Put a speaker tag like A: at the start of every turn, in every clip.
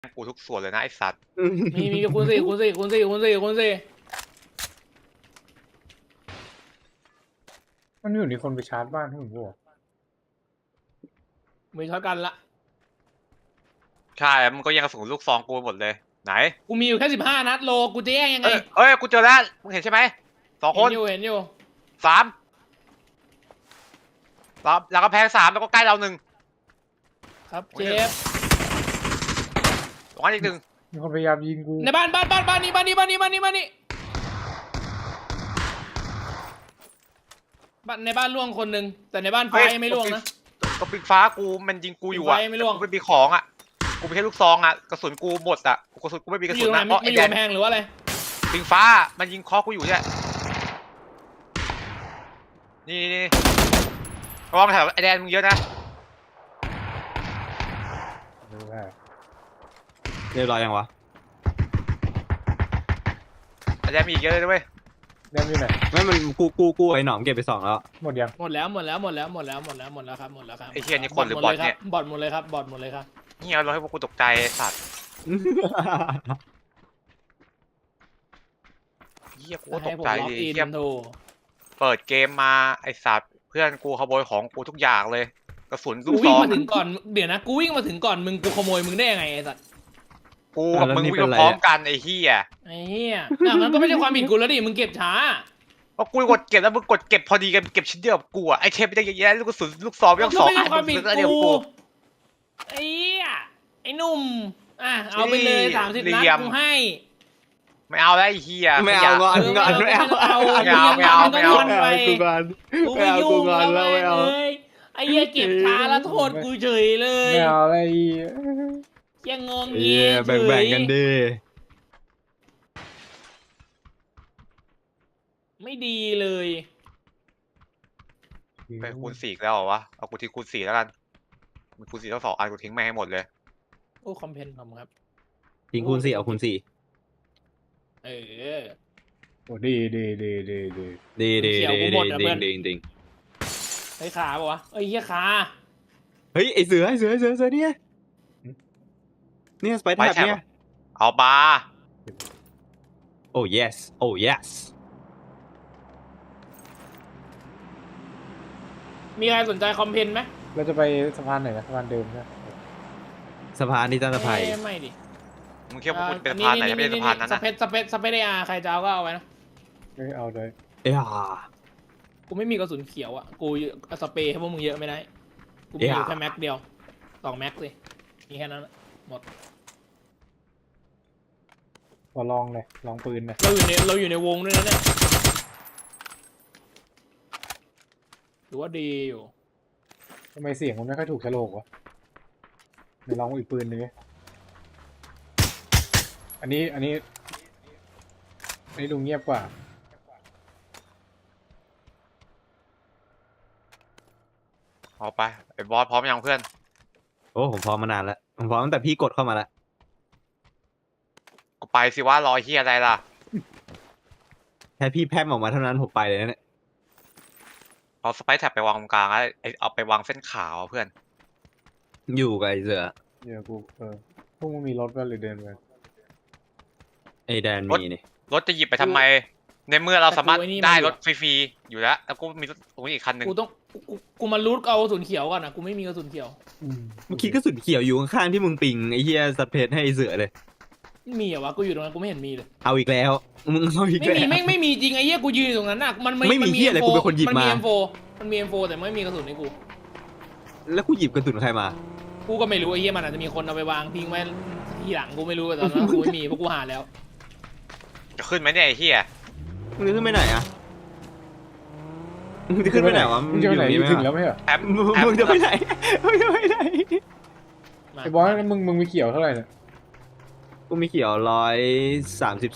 A: กูทุกส่วนเลยนะไอสัตว์
B: มีคูณ 4
C: มันอยู่ในคนไปชาร์จบ้านที่ผมบอก
B: มีช็อตกันละ
A: ใช่มันก็ยังกระสุนลูกซองกูหมดเลยไหน
B: กูมีอยู่แค่15 นัดโลกูจะแย่งยังไง
A: เอ้ยกูเจอแล้วมึงเห็นใช่ไหม2 คน
B: เห็นอยู่
A: 3แล้วก็แพง3แล้วก็ใกล้เรา1
B: ครับเจฟ
A: ตรงนั้นอีก1
C: มีคนพยายามยิงกู
B: ในบ้านนี่บ้านในบ้านล่วงคนหนึ่งแต่ในบ้านไฟยังไม่ล่วงนะ
A: ก็ปิงฟ้ากูมันยิงกูอยู่อ่ะ
B: ไม่ล่วง
A: กูไม่มีของอ่ะกูมีแค่ลูกซองอ่ะกระสุนกูหมดอ่ะกระสุนกูไม่มีกระสุนนะเพราะไอแดน
B: แพงหรือว่าอะไร
A: ปิงฟ้ามันยิงคอกูอยู่เนี่ยนี่ระวังแถวไอแดนมึงเยอะนะ
D: เรียบร้อยยังวะ
A: ไอแดนมีอีกเยอะเลยด้วย
C: แดนอยู่ไหน
D: ไม่มันกูไอ้หนอมเก็บไป2แล้ว
C: หมดยัง
B: หมดแล้วครับ
A: ไอเฮียนี่คนหรือบอทเนี่ย
B: บอทหมดเลยครับ
A: เฮียเราให้พวกกูตกใจสัตว์เฮียกูตกใจดิเฮียเปิดเกมมาไอสัตว์เพื่อนกูขโมยของกูทุกอย่างเลยกระสุนลูกซอง
B: กูวิ่งมาถึงก่อนเดี๋ยวนะกูวิ่งมาถึงก่อนมึงกูขโมยมึงได้ยังไงไอ้สัตว์
A: กูกับมึงวิ่งพร้อมกันไอ้เฮีย
B: มันก็ไม่ใช่ความผิดกูแล้วดิมึงเก็บช้า
A: เพราะกูกดเก็บแล้วมึงกดเก็บพอดีกันเก็บชิ้นเดียวกับกูอ่ะไอเทปไม่ได้เยอะแยะลูกกระสุนลูกซองไม่ต้อง2 อันมึงซื้อเดียวกู
B: ไอ้หนุ่มเอาไปเลย30 นัดกูให้
A: ไม่เอาแล้วไอ้เฮีย
D: ไม่เอางอนไม่เอากูงอนแล้วไม่เอา
B: ไอ้เหี้ยเก็บช้าแล้วโทษกูเฉยเลย
C: ไม่เอาอะไร
B: ยังงง
D: เงี้ยแบ่งกันดิ
B: ไม่ดีเลย
A: ไปคูณ4แล้วเหรอวะเอากูทิ้งคูณ4แล้วกันมีคูณ4ทั้ง2 อันกูทิ้งแม่ให้หมดเลย
B: โอ้คอมเพนผมครับ
D: ทิ้งคูณ4เอาคูณ4
C: โอ้ดี
B: ไอ้ขาปะวะไอ้เหี้ยขา
D: เฮ้ยไอเสือเนี่ยสไปแท็บเนี่ย
A: เอาบา
D: โอ้ yes
B: มีใครสนใจคอมเพนไหม
C: เราจะไปสะพานไหนนะสะพานเดิมใช่ไหม
D: สะพานที่ตั้งสะพาย
B: ไม่ดิ
A: มึงเทียบว่ากูเป็นสะพานไหนไม่ใช่สะพานนั้นนะ
B: สเปซใครจะเอาก็เอาไว้นะ
C: ไม่เอาเลย
B: กูไม่มีกระสุนเขียวอ่ะกูสเปรย์ให้พวกมึงเยอะไม่ได้กูมีแค่แม็กเดียว2 แม็กสิมีแค่นั้นหมด
C: พอลองเลยลองปืนเลย
B: เราอยู่ในวงด้วยนะเนี่ยถือว่าดีอยู่
C: ทำไมเสียงมันไม่ค่อยถูกฉลกวะเดี๋ยวลองอีกปืนนึงอันนี้ดูเงียบกว่า
A: เอาไปไอ้บอสพร้อมยังเพื่อน
D: โอ้ผมพร้อมมานานแล้วผมพร้อมตั้งแต่พี่กดเข้ามาแล้ว
A: ก็ไปสิว่ารอเฮียอะไรล่ะ
D: แค่พี่แพร่มออกมาเท่านั้นผมไปเลยนะเนี่ย
A: เอาสไปซ์แท็บไปวางตรงกลางเอาไปวางเส้นขาวเพื่อน
D: อยู่กับไอเสือ
C: เดี๋ยวกูพวกมึงมีรถก็เลยเดินไป
D: ไอแดนมีนี่
A: รถจะหยิบไปทำไมในเมื่อเราสามารถได้รถฟรีๆอยู่แล้วกูมีรถตรงนี้อีกคันหนึ่ง
B: กูมารูทเอากระสุนเขียวก่อนนะกูไม่มีกระสุนเขียว
D: เมื่อกี้กระสุนเขียวอยู่ข้างๆที่มึงปิงไอเฮียสเปซให้ไอเสือเลย
B: มีเหรอวะกูอยู่ตรงนั้นกูไม่เห็นมีเลย
D: เอาอีกแล้วมึงเอาอีกแล้ว
B: ไม่มีจริงไอ้เหี้ยกูยืนอยู่ตรงนั้นน่ะ
D: ไม่มีเหี้ยอะไรกูเป็นคนหยิบมา
B: มันมี M4 แต่ไม่มีกระสุนให้กู
D: แล้วกูหยิบกระสุนใครมา
B: กูก็ไม่รู้ไอ้เหี้ยมันอาจจะมีคนเอาไปวางทิ้งไว้ที่หลังกูไม่รู้แต่ตอนนั้นกูไม่มีเพราะกูหาแล้ว
A: จะขึ้นไหมเนี่ยไอ้เหี้ย
D: มึงจะขึ้นไปไหนอะมึงจะขึ้นไปไหนวะ
C: มึงจะไปไหนถึงแล้วไม่เหรอ
D: มึงจะไปไหน
C: ไอ้บอสมึงมีเขียวเท่าไหร่เนี่ย
D: กูมีเขียว132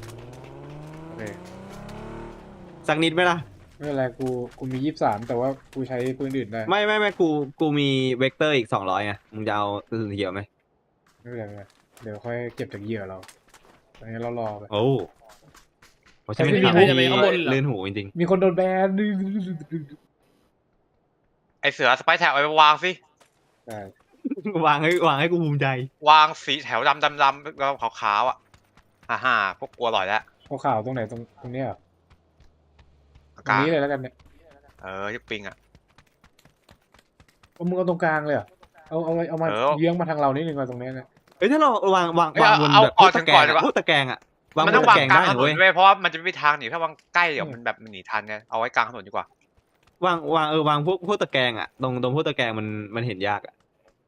D: สักนิดไหมล่ะ
C: ไม่เป็นไรกูมี23แต่ว่ากูใช้ปืนอื่นได้
D: ไม่กูมีเวกเตอร์อีก200ไงมึงจะเอากระสุนเขียวไหม
C: ไม่เป็นไรเดี๋ยวค่อยเก็บจากเหยื่อเราตอนนี้เรารอไป
D: โอ้ผมใช่ไม่ทำเลื่อนหูจริง
C: ๆมีคนโดนแบน
A: ไอเสือสไปซ์แท็บเอาไปวางสิ
D: วางให้กูภูมิใจ
A: วางสีแถวดำแล้วขาวๆอ่ะพวกกลัวอร่อยแล้ว
C: ขาวๆตรงไหนตรงเนี้ยเหรอ
A: อา
C: ตรง
A: กาศ
C: นี้เลยแล้วกันเนี่ย
A: ที่ปิงอ่ะ
C: เอามึงเอาตรงกลางเลยเหรอเอามา
A: เออ
C: เยื้องมาทางเรานิดนึงมาตรงเนี้ยนะ
D: เอ้ยถ้าเราวาง
A: เอ้ย
D: บน
A: เอา
D: แบบ
A: เอา
D: พวก
A: ถึ
D: ตะ
A: ง
D: แก
A: ก่
D: ร
A: อน
D: ง
A: ดีกว่า
D: พวกตะแกรงอะวาง
A: มัน
D: บ
A: ต้อน ง
D: ตะ
A: วาง
D: แกรง
A: กลาง
D: ได้
A: ถ
D: นะ
A: น
D: เว้
A: น
D: ย
A: ด้วยเพราะว่ามันจะไม่มีทางหนีถ้าวางใกล้เดี๋ยวมันแบบมันหนีทันไงเอาไว้กลางถนนดีกว่า
D: วางพวกตะแกรงอะตรงพวกตะแกรงมันเห็นยากอะ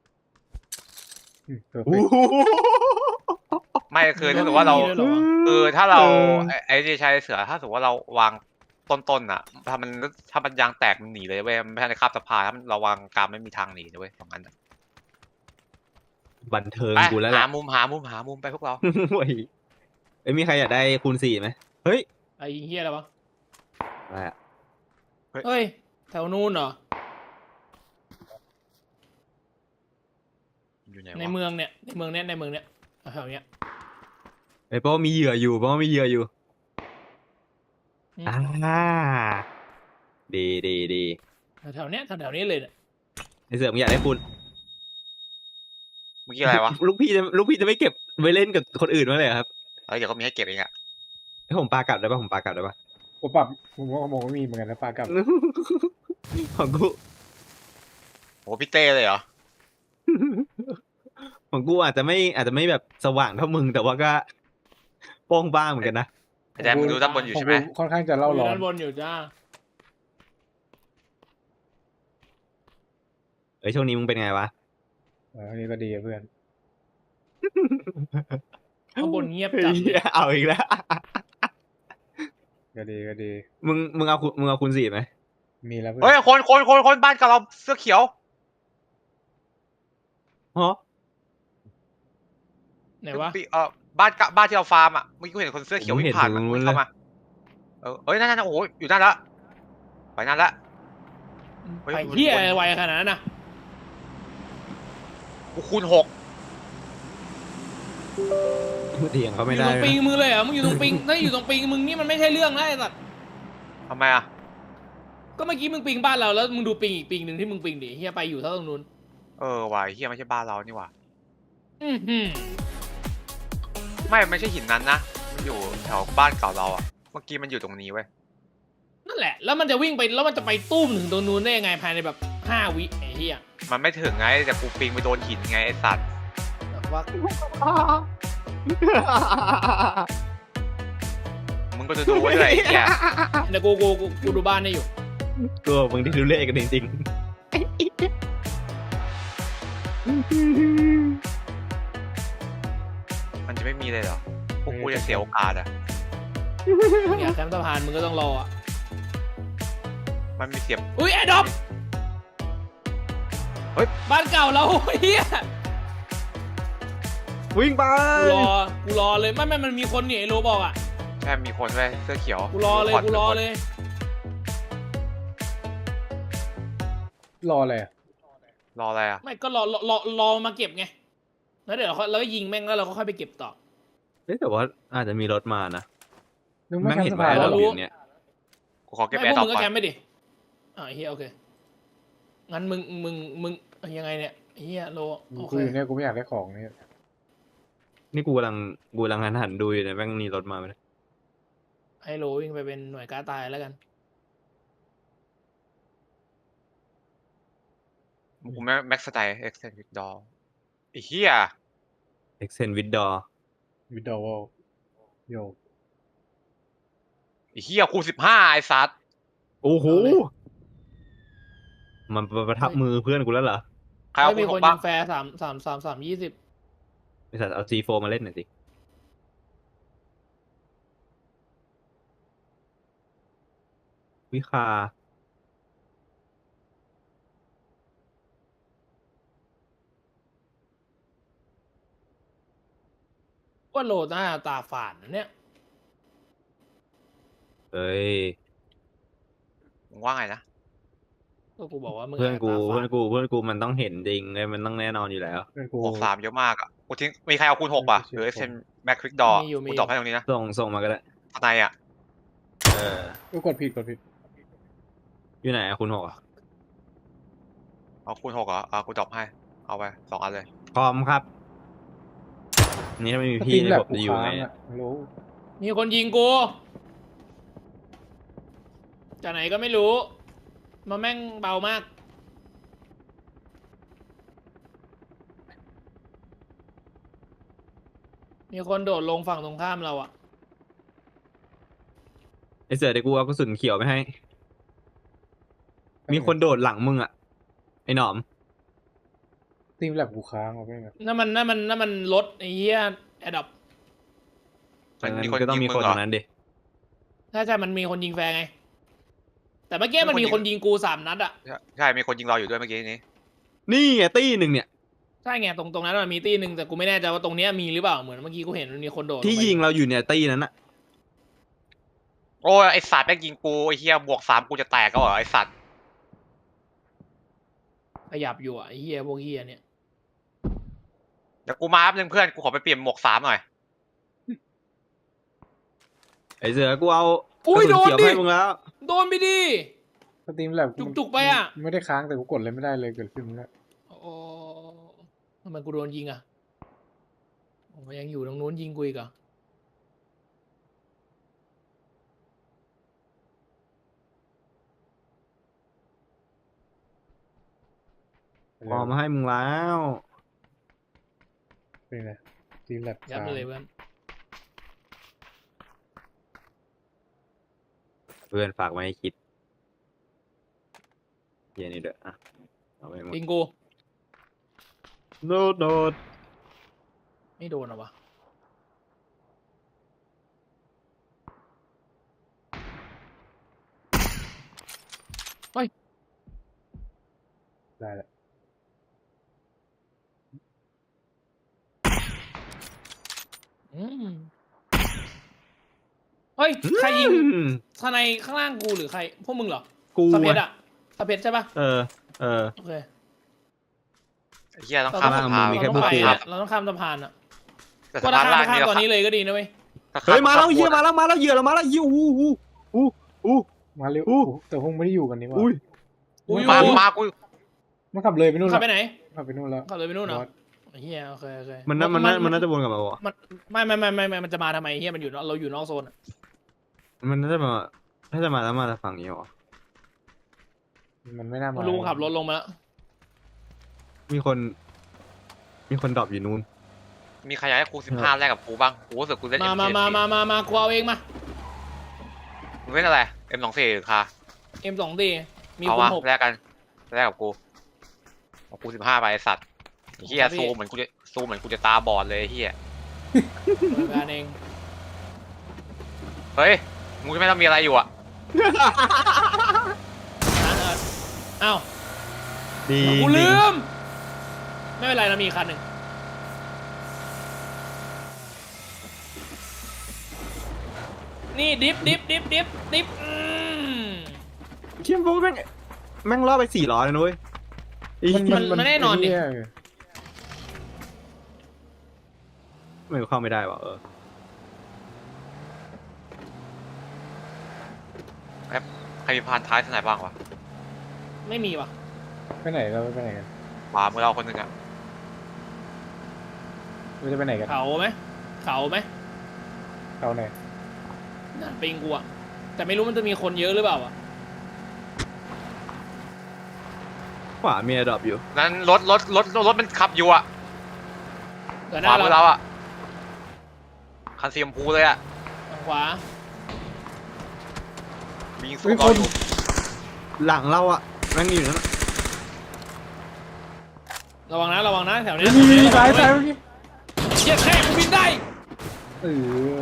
C: เพอร์เฟ
D: อู้
C: ก
D: หู
A: ไม่คือถ้าสมมติว่าเรา
B: มีด้วยเหรอวะ
A: คือถ้าเราไอ้ที่ใช้เสือถ้าสมมติว่าเราวางต้นๆอ่ะถ้ามันยางแตกมันหนีเลยเว้ยมันไม่ใช่ในคาบสะพานถ้ามันเราวางกลางไม่มีทางหนีเลยเว้ยตรงนั้นอะ
D: บันเทิง
A: ไป
D: กูแล้วแห
A: หา
D: ละ
A: มุมไปพวกเรา
D: โอ้ยเอ้ยมีใครอยากได้คูณ 4ไหมเฮ้ย
B: ไอ้เฮียอะไรวะ
D: อะไรอะ
B: เฮ้ยแถวนู้นเหรอ
A: อยู่ไหน
B: ใน
A: วะ
B: เมืองเนี่ยในเมืองเนี้ยแถวเนี้ย
D: เอ้ยเพราะว่ามีเหยื่ออยู่
B: อืม
D: ดี
B: แถวเนี้ยเลยเนี่ย
D: ไอเสือมึงอยากได้คูณ
A: เมื่อกี้อะไรวะ
D: ลูกพี่จะไม่เก็บไว้เล่นกับคนอื่นมั้างเลยเหรอครับ
A: เดี๋ยวก็มีให้เก็บเองอะ
D: ให้ผมปากลับได้ปะผมปากลับได้ปะ
C: ผมปรับผมว่ามองไม่มีเหมือนกันนะปลากับ
D: ของกู
A: โหพี่เต้เลยเหรอ
D: ของกูอาจจะไม่แบบสว่างเท่ามึงแต่ว่าก็โป้งบ้างเหมือนกันนะ
A: ไอ้แดนมึงดูด้านบนอยู่
C: ของ
A: ใช่ไหม
C: กูค่อนข้างจะเล่า
B: อยู่
C: ร้อน
B: ด้านบนอยู่จ้า
D: เอ้ยช่วงนี้มึงเป็นไงวะ
C: อันนี้ก็ดีอะเพื่อน
B: ข้างบนเงียบจัดเลย
D: เอาอีกแล้ว
C: ก็ดี
D: มึงเอาคูณ 4ไหม
C: มีแล้วเพื่อน
A: เฮ้ยคนบ้านกับเราเสื้อเขียว
D: ฮะ
B: ไหนวะ
A: บ้านที่เราฟาร์มอ่ะเมื่อกี้กูเห็นคนเสื้อเขียววิ่งผ่านมาวิ่งเข้ามาเอ้ยนั่นโอ้โหอยู่นั่นละไปนั่นละ เฮ้ย
B: ไปเฮียอะไรไวขนาดนั้นนะ
A: กูคูณ
D: เถียงเขา
B: อ
D: ไม่
B: ยู่
D: ได้
B: ตรงปิงมึงเลยเหรอมึงอยู่ตรงปิงถ้าอยู่ตรงปิงมึงนี่มันไม่ใช่เรื่องนะไอ้สัตว์
A: 6ทำไมอ่ะ
B: ก็เมื่อกี้มึงปิงบ้านเราแล้วมึงดูปิงอีกปิงหนึ่งที่มึงปิงดิเฮียไปอยู่เท่าตรงนู้น
A: วายเฮียไม่ใช่บ้านเรานี่หว่า
B: อือหือ
A: ไม่ใช่หินนั้นนะมันอยู่แถวบ้านเก่าเราอ่ะเมื่อกี้มันอยู่ตรงนี้เว้ย
B: นั่นแหละ แล้วมันจะวิ่งไปแล้วมันจะไปตุ้มถึงตรงนู้นได้ยังไงภายในแบบ5 วิไอ้เฮีย
A: มันไม่ถึงไงแต่กูปิงไปโดนหินไงไอสัตว์
B: แบบว่า
A: มึงก็จะดูไว้ด้วยไอ้เหี้ย
B: เดี๋ยวกูดูบ้านได้อยู่
D: ตัวมึงที่ดูเล่กันจริง
A: มันจะไม่มีเลยเหรอพวกกูจะเสียโอกาสอ่ะ
B: อยากแคมป์สะพานมึงก็ต้องรออ่ะ
A: มันมีเสียบ
B: อุ้ยแอดดอป
A: เฮ้ย
B: บ้านเก่าเราเฮีย
D: ๆวิ่งไป
B: กูรอเลยไม่มันมีคนเนี่ยไอ้โรบอกอ่ะ
A: แค่มีคนเว้ยเสื้อเขียว
B: กูรอเลย
C: รออะไรอะ
A: รออะไรอ่ะ
B: ไม่ก็รอมาเก็บไงแล้วเดี๋ยวเราก็ยิงแม่งแล้วเราก็ค่อยไปเก็บต่อ
D: เฮ้ยแต่ว่าอาจจะมีรถมานะ
C: นึกไม่
D: แม่ง
C: ทัน
D: เห็น
C: ส
D: แหว
C: ภาน
D: เรา
C: แล้ว
D: อยู่เนี่ย
A: กูขอเก็บ
B: ไม่
A: แอ
B: พว
A: ร์
B: ก
A: ต่อ
B: มึงก็
A: ก่อน
B: แคมป์ไม่ดิเฮียโอเคงั้นมึงยังไงเนี่ยเฮียโลโอ
C: กู
B: เค
C: อยู่เนี่ยกูไม่อยากได้ของเนี่ย
D: นี่กูกำลังหันดูอยู่เนี่ยแม่งมีรถมาไหม
B: ให้โลวิ่งไปเป็นหน่วยกล้าตายแล้วกัน
A: กูแม็กซ์สไตล์เอ็กเซนวิดดอร์ไอ้เหี้ย
D: เอ็กเซนวิดดอ
C: วิดอลโย
A: ไอ้เหี้ยคูณ15ไอ้สัตว์
D: โอ้โหมันประทับมือเพื่อนกูแล้วเหรอ
A: ใครเอา
B: ไม่
A: คู
B: มี
A: ณ6บ้า
B: คนยิ
A: ง
B: งแฟร์3 20
D: ไอสัตว์เอา G4 มาเล่นหน่อยสิวิคา
B: ว่าโลหน้าตาฝาดนะเนี่ย
D: เอ้ย
A: มึงว่าไงนะ
B: ก็กูบอกว่ามึง
D: เพื่อนกู
B: ตาฝาด
D: มันต้องเห็นจริงเลยมันต้องแน่นอนอยู่แล้ว
C: เพื่อนกู
A: 63เยอะมากอ่ะกูทิ้งมีใครเอาคูณ6ป่ะหรือเอ็กเซนแม็กควิกดอร์กูตอบให้ตรงนี้นะ
D: ส่งมาก็ได้
A: ทนายอ่ะ
D: เออ
C: กูกดผิด
D: อยู่ไหนอะคุณ6อ่ะ
A: เอาคูณ6เหรอกูตอบให้เอาไป2 อันเลย
D: พร้อมครับนี่ถ้าไม่มี
C: ส
D: พี่
C: ตรีม
D: นี่
C: แลบ
D: ผม
C: กู
D: จะอยู่
C: ค้า
D: ไง
C: งอ่ะรู้
B: มีคนยิงกูจากไหนก็ไม่รู้มาแม่งเบามาก มีคนโดดลงฝั่งตรงข้ามเราอะ
D: ไอเสือเดี๋ยวกูเอากระสุนเขียวไปให้ มีคนโดดหลังมึงอ่ะไอหนอม
C: สตรีมแลบกูค้างเอาไปไง
B: นั่นมันรถไอ้เหี้ยแอดดับ
A: มันมี
D: งั้
A: คน
D: ก็ต้อง
A: ยิง
D: มี
A: มึ
D: คน
A: งเหร
D: ต
A: อ
D: รงนั้นดิ
B: ใช่มันมีคนยิงแฟร์ไง แต่เมื่อกี้มันมีคนยิงกู3 นัดอะ
A: ใช่มีคนยิงเราอยู่ด้วยเมื่อกี้นี้
D: นี่ไงตี้หนึ่งเนี่ย
B: ใช่ไงตรงนั้นมันมีตีหนึ่งแต่กูไม่แน่ใจว่าตรงเนี้ยมีหรือเปล่าเหมือนเมื่อกี้กูเห็นมันมีคนโดด
D: ที่
B: ลไป
D: ยิงเราอยู่เนี่ยตี้นั้นอะ
A: โอ้ยไอสัตว์แม่งยิงกูไอเฮียบวก3กูจะแตกก็เหรอไอสัตว์
B: ขยับอยู่อะไอ้เหี้ยพวกเหี้ยเนี่ย
A: เดี๋ยวกูมาแป๊บนึงเพื่อนกูขอไปเปลี่ยนหมวก3หน่อย
D: ไอเสือกูเอาก
B: อุ้
D: ระ
B: ย
D: สุน
B: โดน
D: เขียว
B: ดิ
D: ให้มึงแล้ว
B: โดนไปดิ
C: สตรีมแลบ
B: จุกๆไปอะ
C: ไม่ได้ค้างแต่กูกดเลยไม่ได้เลยเกิดขึ้นแล้ว
B: โอ้ทำไมกูโดนยิงอะโอ้ยังอยู่ตรงนู้นยิงกูอีกเหรอะ
D: พอมาให้มึงแล้ว
C: เป็นไงสตรีมแลบ
B: ยับ
C: ค้าง
B: เลยเพื่อน
D: เพื่อนฝากไว้ให้คิดเฮียนี่เด้ออ่ะเอาไปหมด
B: ยิงกู
D: โดดโดด
B: ไม่โดนเหรอวะ
C: ได้แล้ว
B: อืมเฮ้ยใครยิง
D: อืม
B: ทนายข้างล่างกูหรือใครพวกมึงเหรอ
D: กู
B: สะเพชร
D: อะ
B: อะสะเพชรใช่ปะ
D: เออ
B: โอเค
A: ไอ้เฮียต้อง
B: เรา
A: ข้าม
B: ต้อง
A: สะพาน
D: มีแค่
B: เรา
D: พ
B: ต้
D: ว
B: อก งไป
D: กู
B: อะเราต้องข้ามสะพานอะ
A: แต่
B: ก็
A: สะ
B: ถ้า
A: พาน
B: ข้าม
A: ล่าง
B: ข้าม
A: นี่
B: ตอนนี้เลยก็ดีนะเว้ย
D: เฮ้ยมาแล้วเฮียมาแล้วเหยื่อเรามาแล้วอู้อู้
C: มาเร็ว
D: อู้
C: แต่พวกไม่ได้อยู่กันนี่หว่า
D: อุ้ย
B: กูอยู่
A: มากู
C: มันขับเลยไปนู่น
B: ขับ
C: แล้ว
B: ไปไหน
C: ขับไปนู่นแล้ว
B: ขับเลยไปนู่นเหรอบ
C: อส
B: เฮียโอเคโอเค
D: มันน่าจะวนกลับมาบอก
B: มันไม่มันจะมาทำไมเฮียมันอยู่เราอยู่นอกโซนอะ
D: มันน่าจะมาถ้าจะมาแล้วมาฝั่งนี้หรอ
C: มันไม่น่ามา
B: มันรู้ขับรถลงมาแล้ว
D: มีคนดรอปอยู่นู้น
A: มีใครอยากให้กู15แรกกับกูบ้างกูรู้สึกกูเล่น
B: มา
A: M4
B: กูเอาเองมา
A: มึงเล่นอะไร M24 หรือคา
B: M2D มี
A: เอา
B: คูณ
A: วะ
B: 6
A: แลกกันแลกกับกูเอากู15ไปไอ้สัตว์ไอ้เฮีย
B: ครับพี่
A: ซูมเหมือนกูจะตาบอดเลยไอ้เฮีย
B: การเอง
A: เฮ้ยมึงจะไม่ต้องมีอะไรอยู่อะ
B: อ้าว
D: ดี
B: กูลืม ไม่เป็นไรนะมีอีกคันหนึ่งนี่ดิฟ
D: เทียมโฟแม่งล่อไป400เลยนุ้ย
B: มันแน่นอนดิ
C: ไเหี้ย
D: ไม่เข้าไม่ได้วะ
A: ใครมีพานท้ายที่ไหนบ้างวะ
B: ไม่มีว่ะ
C: ไปไหนเราไปไหนกัน
A: ขวามือเราคนหนึ่งอะ
C: เราจะไปไหนกัน
B: เขาไหม
C: เขาไหน
B: น่าปิงกูอะแต่ไม่รู้มันจะมีคนเยอะหรือเปล่าอะ
D: ขวามีดรอปอยู่
A: นั้นรถมันขับอยู่อะ
B: เดี๋ยวห
A: ขวา
B: น้า
A: มือ
B: เรา
A: เราอะคันสีชมพูเลยอะ
B: ทางขวา
A: มีสู้เราอยู่
D: หลังเราอะแม่งอยู่นั่น
B: ระวังนะแถวเนี้
C: มีซ้ายเมื่อกี้
B: เหี้ยแค่กูบินได้
C: เออ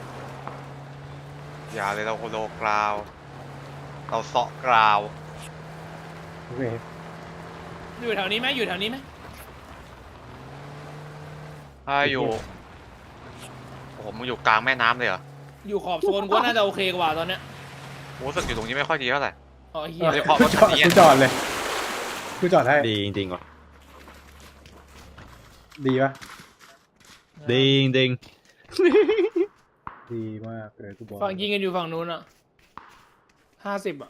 A: อย่าเลยเราโลกราวเราเซาะกราว
C: โอเค
B: อยู่แถวนี้ไหม
A: ถ้าอยู่โอ้โหมึงอยู่กลางแม่น้ำเลยเหรอ
B: อยู่ขอบโซนกูว่าน่าจะโอเคกว่าตอนเนี้ย
A: กูรู้สึกอยู่ตรงนี้ไม่ค่อยดีเท่าไหร่
B: อ๋อเฮีย
A: โดยเฉพาะรถคันนี้อะ
C: กูจอดเลยกูจอดให้
D: ดีจริงๆว่ะ
C: ดีปะ
D: ดีจริง
C: ดีมากเลยกูบอก
B: ฝั่งยิงกันอยู่ฝั่งนู้นอะ50อะ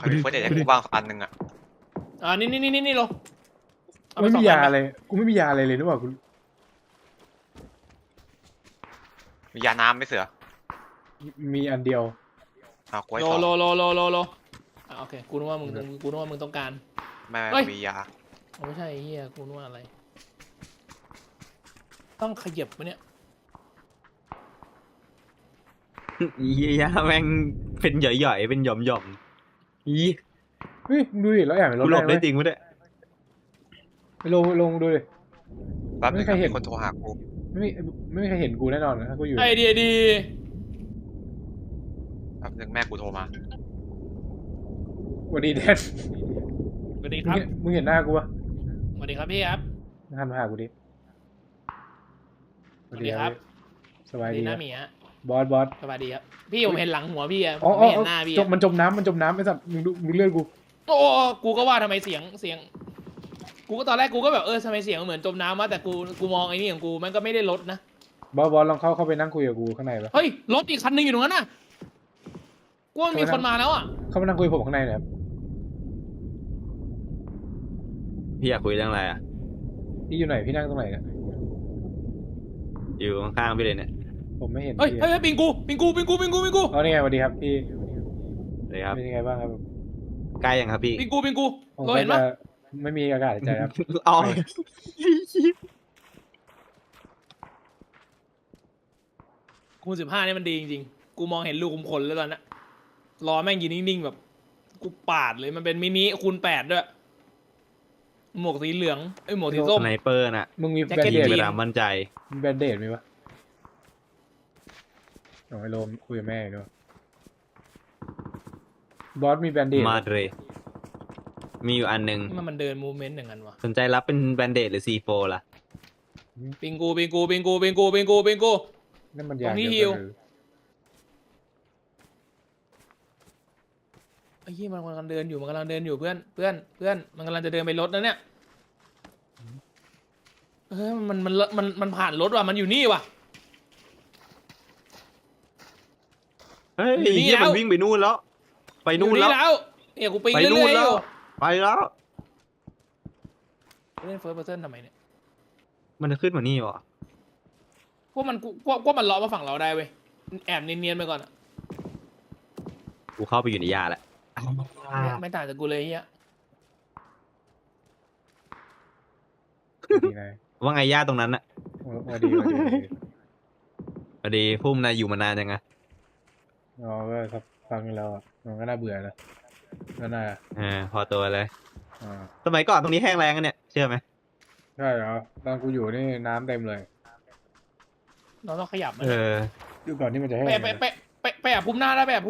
A: ใครมีเฟิร์สเอดให้กูบ้างอันหนึ่งอ่ะ
B: นี่โลเอาป
C: ไม่
B: ส
C: มี
B: อง
C: ยา
B: อัน
C: อะไรกูไม่มียาอะไรเลยนึกว่ากู
A: มียาน้ำไหม่เสือ
C: มีอันเดียว
A: เอากูให้
B: โล
A: สอง
B: โลโอเคกูนึกว่ามึงต้องการ
A: แม่
B: เฮ้ย
A: มียา
B: ไม่ใช่ไอ้เฮียกูนึกว่าอะไร ต้องขยับวะเนี่ย
D: เฮียแม่งเป็นหย่อยๆเป็นหย่อมๆอี
C: เฮ้ยมึงดูดิแล้วแอบไปร
D: กู
C: ถ
D: หล
C: แร
D: บ
C: ง
D: ได้
C: เลย
D: จริงปะเนี่ย
C: ไปลงดูดิ
A: แป๊บนึง
C: ไม่เคยเห็น
A: มีคนโทรหากู
C: ไม่มีใครเห็นกูแน่นอนนะถ้ากูอยู่
B: ไอเดียดี
A: แป๊บนึงแม่กูโทรมา
C: สวัสดีแดน
B: สวัสดีครับ
C: มึงเห็นหน้ากูปะ
B: สวัสดีครับพี่ครับ
C: หันมาหากูดิ
B: สวัสดีครับ
C: สบายดี
B: ห
C: ค
B: น้า
C: รับ
B: หมีฮะ
C: บอส
B: สวัสดีครับพี่ผมเห็นหลังหัวพี่อะผ
C: อ๋อ
B: มไม่เห็นหน้าพี่
C: จ
B: อะ
C: มมันจมน้ำไอ้สัตว์มึงดูเลือดกู
B: โอ้กูก็ว่าทำไมเสียงกูก็ตอนแรกกูก็แบบทำไมเสียงมันเหมือนจมน้ำวะแต่กูมองไอ้นี่ของกูมันก็ไม่ได้ลดนะ
C: บอสลองเข้าไปนั่งคุยกับกูข้างในปะ
B: เฮ้ยรถอีกคันหนึงอยู่ตรงนั้นน่ะกูว่ามันมีคนมาแล้วอ่ะ
C: เข้ามานั่งคุยกับผมข้างในหน่อยครับ
D: พี่อยากคุยเรื่องอะไรอ่ะ
C: พี่อยู่ไหนพี่นั่งตรงไหนเนี่ย
D: อยู่ข้างๆพี่เลยเนี่ย
C: ผมไม่เห็น
B: เฮ้ย
C: พี่
B: เฮ้ยปิงกู
C: อ๋อนี่ไงสวัสดีครับพี่
D: เลยครับ
C: เป็นยังไงบ้างครับ
D: ใกล้ยังครับพี่
B: ปิงกู
C: ผม
B: เราเห็นปะ
C: ก็จะไม่มีอากาศหายใจครับ
D: อ๋อ
B: คูณ15เนี่ยมันดีจริงๆกูมองเห็นลูกคุมขนแล้วตอนนั้นรอแม่งยืนนิ่งๆแบบกูปาดเลยมันเป็นมินิคูณ8ด้วยหมวกสีเหลืองหมวกสีส้
D: ส
B: ม
D: ไนเปอร์น่ะ
C: มึงมี
B: แจ็ค
C: แบ
B: เก็
C: น
B: ต
C: เด
D: ยิง
C: ด
D: ไป
B: จีน
D: ตามมั่นใจ
C: มีแบนเดดไหมวะเอาไอ้โรมคุยกับแม่ด้วยบอสมีแบนเดด
D: มาเลยมีอยู่อันหนึ่ง
B: มันเดินมูเมนต์อย่างนั้นวะ
D: สนใจรับเป็นแบนเดดหรือซีโฟล่ะ
B: ปิงกู
C: นั่นมันยาง
B: ตรงนี้
C: เดียว
B: ฮิว ไอ้ยี่มันกำลังเดินอยู่เพื่อนมันกำลังจะเดินไปรถนะเนี่ยมันผ่านรถว่ะมันอยู่นี่ว่ะ
D: เฮ้ย
B: อยู่นี่
D: เฮีย
B: แล้ว
D: มันวิ่งไปนู่นแล้ว ไปนู่น
B: อยู่
D: แล้ว
B: เนี่ยกูปิง
D: ไป
B: เรื่
D: นู่น
B: อยๆอ
D: แล้ว
B: ยู่
D: ไปแล้ว
B: เล่นเฟิร์สเพอร์เซนทำไมเนี่ย
D: มันจะขึ้นมานี่วะ
B: พวกมันล้อมาฝั่งเราได้เว้ยแอบเนียนๆไปก่อนอะ
D: กูเข้าไปอยู่ในยาแล้ว
B: ไม่ต่างจากกูเลยเฮีย
C: ดีนาย
D: ว่าไงย่าตรงนั้นน่ะ
C: มาดี
D: พอดีพุ่มนายอยู่มานานยังไง
C: อ๋อก็สักฟังแล้วอ่ะมันก็น่าเบื่อนะก็น่า
D: พอตัวเลย
C: อ่า
D: สมัยก่อนตรงนี้แห้งแล้งกันเนี่ยเชื่อไหม
C: ใช่เหรอตอนกูอยู่นี่น้ำเต็มเลย
B: เราต้องขยับมัน
C: ดูก่อนที่มันจะแห้ง
B: ไปแอบพุ่มหน้าได้ไป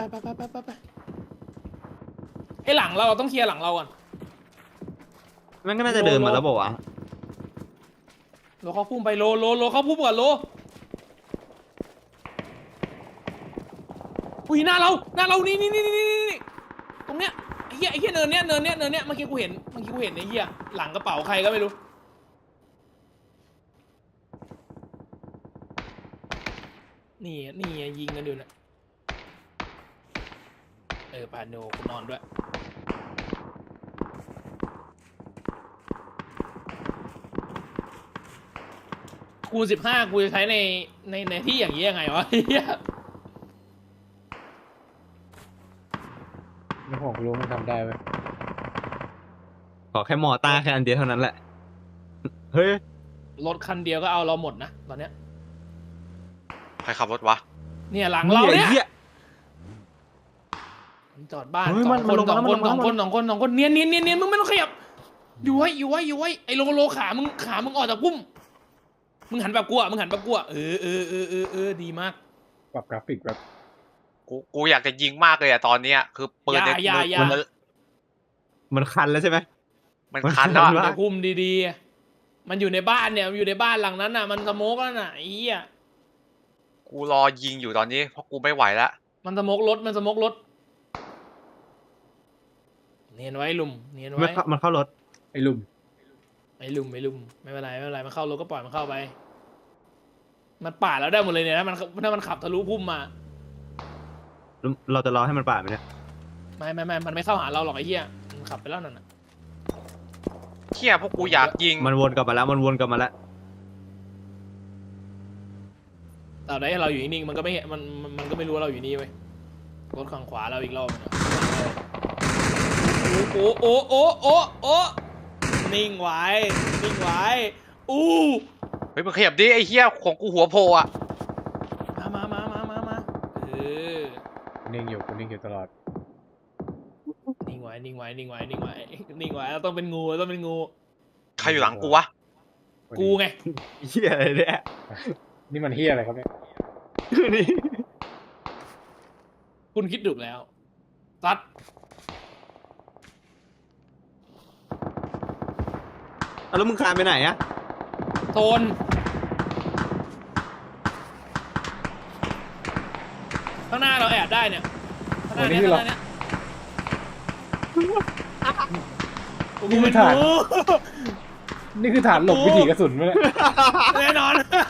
B: ไอ้หลังเราต้องเคลียร์หลังเราก่อน
D: มันก็น่าจะเดินมาแล้วบอกว่าวะ
B: โลเข้าพุ่มไปโลเข้าพุ่มก่อนโลอุ้ยหน้าเรานี่ตรงเนี้ยไอ้เหี้ยเนินเนี้ยเมื่อกี้กูเห็นไอ้เหี้ยหลังกระเป๋าใครก็ไม่รู้นี่ยิงกันอยู่นะปาโนกูนอนด้วยคูณ15กูจะใช้ในที่อย่างนี้ยังไงวะเหี้ย
C: แล้วผมรู้มันทำได้ไหม
D: ขอแค่มอต้าแค่อันเดียวเท่านั้นแหละ เฮ้ย
B: รถคันเดียวก็เอาเราหมดนะตอนเนี้ย
A: ใครขับรถวะ
B: เนี่ยหลังเราเนี่ย
D: หี้
B: จอดบ้าน
D: เฮ้ย
B: ส
D: มั
B: อน ง
D: มันลง
B: คน
D: มาแล้วมันลงมาแล้ว
B: สองคนเนียนมึงไม่ต้องขยับอยู่ไว้ไอ้โลขามึงออกจากพุ่มมึงหันแบบกลัวดีมาก
C: ปรับกราฟิกแบบ
A: กูอยากจะยิงมากเลยอะตอนเนี้ยคือปืนใน
B: อย่า
D: มันคันแล้วใช่ไหม
A: มันคันแล้ว
D: มันคัน
A: อะ
D: วะ
B: พุ่มดีๆมันอยู่ในบ้านเนี่ยมันอยู่ในบ้านหลังนั้นน่ะมันสโมกแล้วน่ะไอ้เหี้ย
A: กูรอยิงอยู่ตอนนี้เพราะกูไม่ไหวแล้ว
B: มันสโมกรถเนียนไว้ลุมเนียนไว้
D: มันเข้ารถ
C: ไอ้ลุม
B: ไอ้ลุมไม่เป็นไรมันเข้ารถก็ปล่อยมันเข้าไปมันปาดแล้วได้หมดเลยเนี่ยถ้ามันขับทะลุพุ่มมา
D: เราจะรอให้มันปาดไหมเนี่ย
B: ไม่มันไม่เข้าหาเราหรอกไอ้เหี้ยมันขับไปแล้วนั่นน่ะ
A: เหี้ยพวกกูอยากยิง
D: มันวนกลับมาแล้วมันวนกลับมาแล้ว
B: แต่ได้เราอยู่นิ่งๆมันก็ไม่มันก็ไม่รู้ว่าเราอยู่นี่เว้ยรถข้างขวาเราอีกรอบนึงอะโอ้นิ่งไว้อู้
A: เฮ้ยมึงขยับดิไอ้เหี้ยของกูหัวโผล่อะ
B: มาเออ
C: นิ่งอยู่ตลอด
B: นิ่งไว้เราต้องเป็นงู
A: ใครอยู่หลังกูวะ
B: กูไง
D: เหี้ยอะไรเนี่ย
C: นี่มันเฮียอะไรครับเนี่ย
D: นี่
B: คุณคิดถูกแล้วซัด
D: เอาแล้วมึงคลานไปไหนอะ
B: โซนข้างหน้าเราแอบได้เนี่ยข้างหน้าเนี้ย
C: นี่คือฐาน นี่คือฐานหลบวิถีกระสุนไหมเนี่ย
B: แน่นอน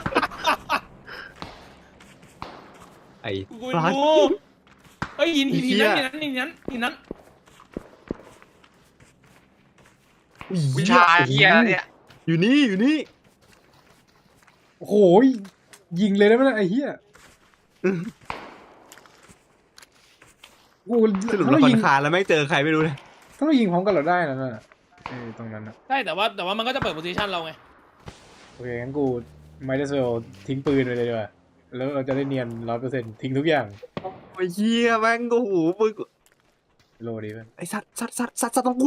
D: ไอ้
B: กู
D: ฟลาส
B: รู้เฮ้ยหิน
D: ไอ้เหี้ย
B: นั้น
A: วิชาเหี้ยเนี่ย
D: อยู่นี่
C: โอ้โหยิงเลยได้ไหมเนี่ยไอ้เฮียกู
D: สรุป
C: ถ้า
D: เรา
C: เรา
D: ผ่อ
C: ยิ
D: น
C: ง
D: คลานแล้วไม่เจอใครไม่รู้เลย
C: ถ้าเรายิงพร้อมกันเราได้นะน่ะตรงนั้นนะ
B: ใช่แต่ว่ามันก็จะเปิดโพซิชันเราไง
C: โอเคงั้นกูไม่ได้เซลทิ้งปืนไปเลยดีกว่าแล้วเราจะได้เนียน100%ทิ้งทุกอย่าง
D: ไอ้เหี้ยแม่งโอ้โหมึง
C: โลดีเพื่อน
D: ไอ้สัตว์ต้องกู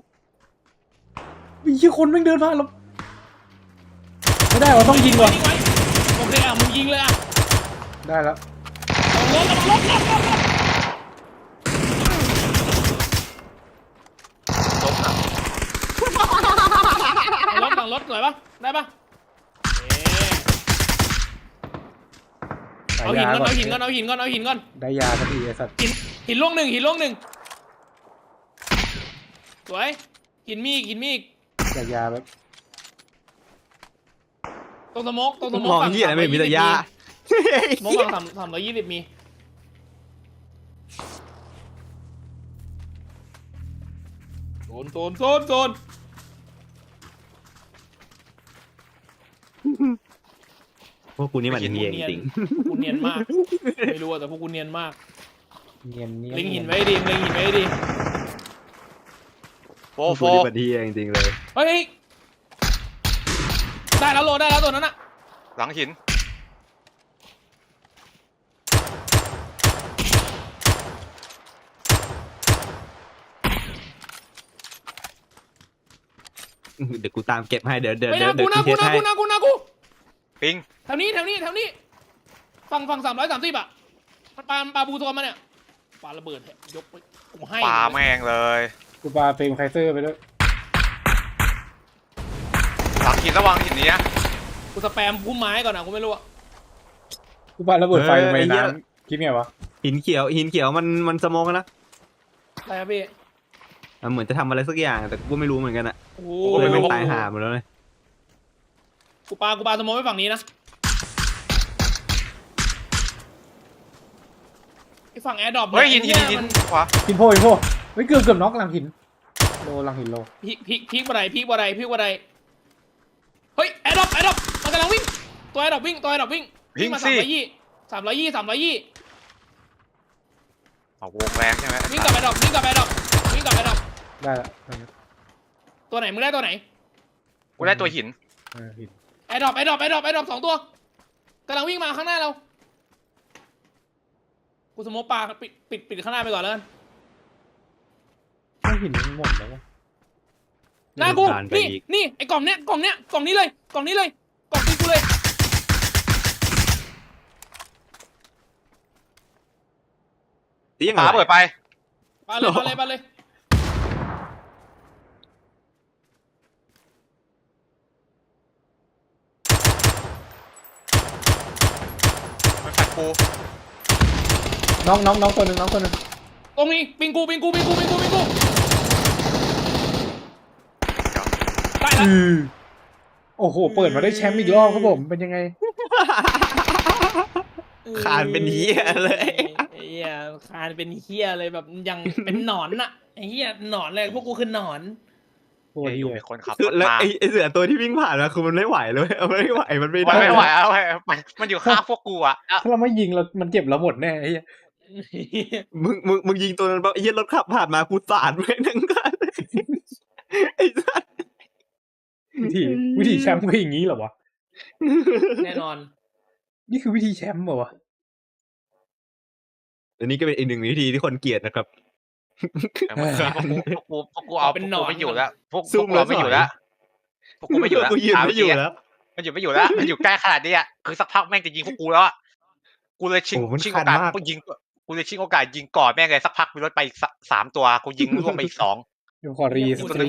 C: มีคนแม่งเดินผ่านเราไม่ได้เราต้องยิงว่ะ
B: นิ่งไว้โอเคอ่ะมึงยิงเลยอ่ะ
C: ได้แล้ว
B: ลบ
A: ล้มอะ
B: หลังรถสวยปะได้ปะเอาหินก่อนเอาหินก่อน
C: ได้ยาสักทีไอ้สัตว์
B: หินล่วงหนึ่งสวยหินมีอีก
C: อยากยาแบบ
B: ตรงสโมก
D: มองเหี้ยอะไรไม่มีแต่ยา
B: สโมกฝั่ง320มีโซน
D: พวกกูนี่มันเหี้ยจริง
B: พวกกูเนียนมากไม่รู้อะแต่พวกกูเนียนมาก
C: เนียน
B: เล็งหินไว้ดี
A: โฟ
D: พวก
A: โฟ
D: กูนี่มันเหี้ยจริงเลย
B: เฮ้ยได้แล้วตัวนั้นอะ
A: หลังหิน
D: เดี๋ยวกูตามเก็บให้เดี๋ยว
B: ไม่นะกู
D: เทสให้
B: กู
A: ปิง
B: แถวนี้ฝั่ง330อะมันปาบูตัวมาเนี่ยปาระเบิดยกไปกูให้
A: ปาแม่งเลย
C: กูปาเฟรมไคเซอร์ไปด้วย
A: หลังหินระวังหินนี้นะ
B: กูสแปมพุ่มไม้ก่อนนะกูไม่รู้อะ
C: กูปาระเบิดไฟลงไปในน้ำคิดไงวะ
D: หินเขียวมันสโมกนะ
B: อะไรครับพี่
D: มันเหมือนจะทำอะไรสักอย่างแต่กูไม่รู้เหมือนกันอะ
B: โอ้
D: กูเลย
B: ย
D: ไม่ตายห่าหมดแล้วเลย
B: กูปาสโมองไว้ฝั่งนี้นะไอฝั่งแอร์ดรอป
A: เฮ้ยหินขวา
C: หินโพเฮ้ยเกือบน็อกหลังหินหลังหินโล
B: พีกบ่ได้เฮ้ยแอร์ดรอปมันกำลังวิ่งตัวแอร์ดรอปวิ่งมา320
A: เอาวงแรงใช่ไหม
B: วิ่งกับแอร์ดรอป
C: ได้แล้ว
B: ตัวไหนมึงได้ตัวไหน
A: กูได้ตัวหิน
C: หิน
B: แอร์ดรอป2ตัวกำลังวิ่งมาข้างหน้าเรากูสโมกปาปิดข้างหน้าไปก่อนแล้วกัน
C: หินหมดแล้ววะ
B: หน้ากูนี่ไอ้กล่องนี้เลยกล่องตีกูเลย
D: ตียังไง
A: ปาเปิดไป
B: ปาเลย
A: มันปัดกู
C: น้องตัวหนึ่ง
B: ตรงนี้ปิงกูได้แล้ว
C: โอ้โหเปิดมาได้แชมป์อีกรอบครับผมเป็นยังไง
D: คานเป็นเหี้ยเลย
B: ไอ้เหี้ยคานเป็นเหี้ยเลยแบบยังเป็นหนอนน่ะไอ้เหี้ยหนอนเลยพวกกูคือหนอน
C: โคตร
A: อ
C: เหี้
A: ยู่
C: ย
A: มีคนขับ
D: คือ
A: รถ
D: แล้ว
A: มา
D: ไอ้เสือตัวที่วิ่งผ่านมาคือมันไม่ไหวเลยมันไม่ไหวมันไม่
A: มัน
D: ได้
A: ไม่ไหวแล้วเว้ยมันอยู่ข้างพวกกูอ่ะ
C: ถ้าเราไม่ยิงเรามันเจ็บเราหมดแน่ไอ้เหี้ย
D: มึงยิงตัวนั้นปั๊บไอ้เหี้ยรถขับผ่านมากูสาดไปทั้งคันไอ้สัส
C: วิธีแชมป์ก็อย่างนี้เหรอวะ
B: แน่นอน
C: นี่คือวิธีแชมป์เหรอวะ
D: อันนี้ก็เป็นอีกหนึ่งวิธีที่คนเกลียดนะครับ
A: พวกกูเอา
B: เป็น
A: พวก
B: หน
A: กู
B: อน
A: ไม่อยู่แล้วพวก
D: ซุ่ม
A: กูเราไม่
D: แล้ว
A: อยู่แล้วพวกกูไม่อยู่แล้ว
D: กูยืนไม่อยู่แล้ว
A: มันอยู่ไม่อยู่แล้วมันอยู่ใกล้ขนาดนี้อ่ะคือสักพักแม่งจะยิงพวกกูแล้วอ่ะกูเลยชิง
D: โอ้มัน
A: ชิง
D: คั
A: โอน กาส
D: มาก
A: กูยิงกูเลยชิงโอกาสยิงก่อนแม่งเลยสักพักมีรถไปอีก3 ตัวกูยิงล่วงไปอีก 2
C: เดี๋ยวขอรี
B: เหี้ย
C: ส
B: คุณ
C: ตรี